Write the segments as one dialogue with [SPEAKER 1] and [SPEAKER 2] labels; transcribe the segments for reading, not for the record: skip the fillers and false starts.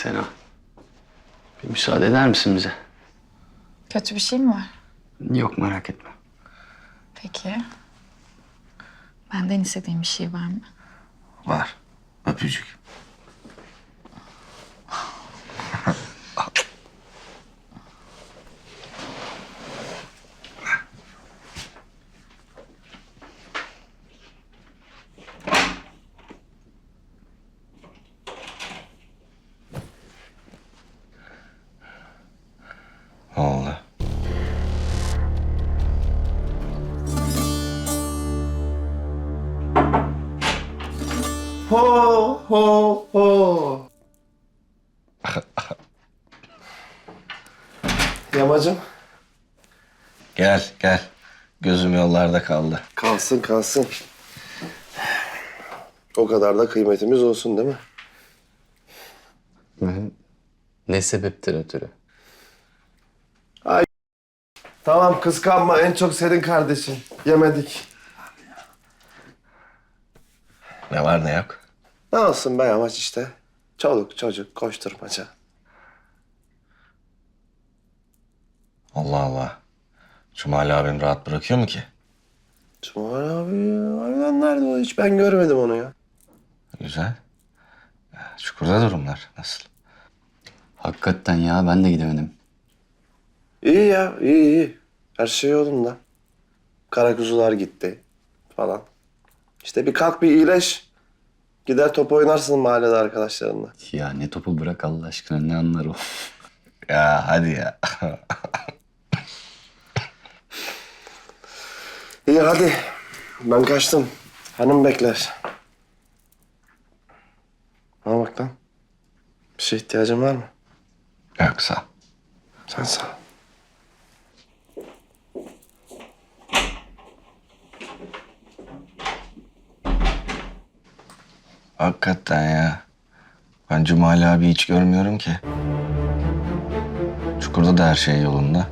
[SPEAKER 1] Sena, bir müsaade eder misin bize?
[SPEAKER 2] Kötü bir şey mi var?
[SPEAKER 1] Yok, merak etme.
[SPEAKER 2] Peki. Benden istediğin bir şey var mı?
[SPEAKER 3] Var. Öpücük. Ne oldu?
[SPEAKER 4] Ho ho ho. Yamacım.
[SPEAKER 3] Gel, gel. Gözüm yollarda kaldı.
[SPEAKER 4] Kalsın kalsın. O kadar da kıymetimiz olsun değil mi?
[SPEAKER 1] Ne sebepten ötürü?
[SPEAKER 4] Tamam kıskanma, en çok senin kardeşin. Yemedik.
[SPEAKER 3] Ne var ne yok?
[SPEAKER 4] Ne olsun be yamaç işte. Çoluk çocuk koşturmaca.
[SPEAKER 3] Allah Allah. Cumali abim rahat bırakıyor mu ki?
[SPEAKER 4] Cumhur abi ya. Harbiden nerede o hiç? Ben görmedim onu ya.
[SPEAKER 3] Güzel. Çukurda durumlar nasıl?
[SPEAKER 1] Hakikaten ya, ben de gidemedim.
[SPEAKER 4] İyi ya, iyi iyi. Her şey yolunda. Karakuzular gitti falan. İşte bir kalk bir iyileş. Gider top oynarsın mahallede arkadaşlarınla.
[SPEAKER 1] Ya ne topu, bırak Allah aşkına, ne anlar o?
[SPEAKER 3] Ya hadi ya.
[SPEAKER 4] İyi hadi. Ben kaçtım. Hanım bekler. Bana bak lan. Bir şeye ihtiyacın var mı?
[SPEAKER 3] Yoksa.
[SPEAKER 4] Sen sağ ol.
[SPEAKER 3] Hakikaten ya. Ben Cumali abi hiç görmüyorum ki. Çukurda da her şey yolunda.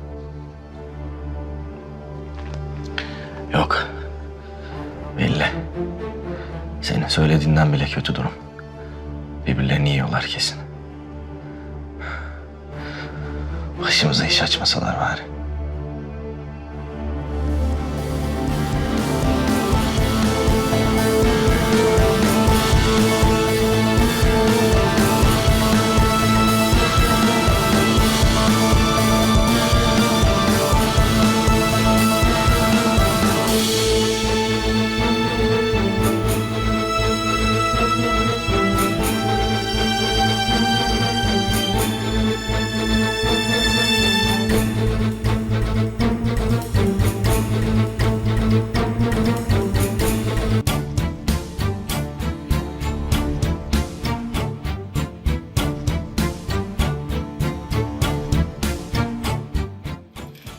[SPEAKER 3] Yok. Belli. Senin söylediğinden bile kötü durum. Birbirlerini yiyorlar kesin. Başımıza iş açmasalar bari.